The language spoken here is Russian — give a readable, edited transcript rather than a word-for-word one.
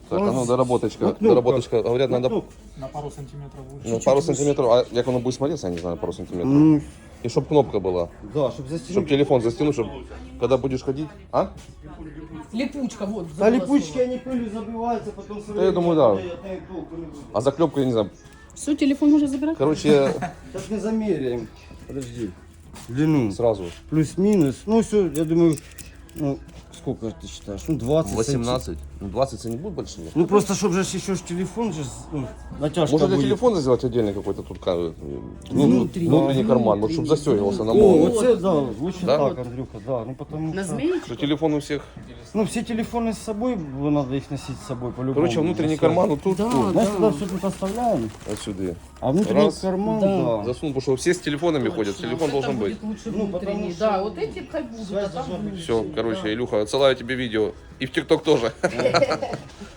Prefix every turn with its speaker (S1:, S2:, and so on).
S1: Так, а ну доработочка.
S2: На кнопках.
S1: Доработочка. Говорят, надо
S3: На пару сантиметров выше.
S1: ну, пару сантиметров. А как оно будет смотреться, я не знаю, пару сантиметров.
S2: Ну,
S1: И чтоб кнопка была.
S2: да, чтобы застегнуть.
S1: Чтоб телефон застянуть, чтоб когда будешь ходить. А?
S4: Липучка, вот.
S2: Да
S4: забыла
S2: липучки,
S4: слово.
S2: они пылью забиваются, потом...
S1: Да я думаю, да.
S2: Я толку не буду.
S1: А заклепку, я не знаю.
S4: Все, телефон можно забирать?
S1: Короче,
S2: Сейчас мы замеряем. Подожди. Длину.
S1: сразу.
S2: Плюс-минус. Ну все, я думаю, ну, сколько ты считаешь? Ну, 20
S1: 18. Ну, 20 не будет большие.
S2: Ну просто, чтобы же еще ж телефон, же, ну, натяжка
S1: Может для
S2: будет.
S1: телефона сделать отдельный какой-то тут
S4: Внутренний.
S1: внутренний карман, вот чтобы застегивался на
S2: О,
S1: молнию.
S2: вот это, да, лучше
S1: Да?
S2: так, Андрюха, да. Ну потому
S4: На
S2: что...
S4: змеечку?
S1: Что телефон у всех.
S2: Ну все телефоны с собой, надо их носить с собой по-любому.
S1: Короче, внутренний карман вот тут,
S4: Да.
S1: тут,
S2: Знаешь, туда все тут оставляем,
S1: отсюда.
S2: а внутренний
S1: Раз.
S2: карман,
S4: Да.
S2: да.
S1: Засунул, потому что все с телефонами ходят, телефон
S4: Вот
S1: должен
S4: это
S1: быть.
S4: будет лучше
S2: Ну,
S4: внутренний.
S2: потому что
S4: Да, вот эти пхай будут, а
S2: связь
S4: там
S2: должна быть.
S4: будет.
S1: Все, короче, Илюха, отсылаю тебе видео. И в ТикТок тоже.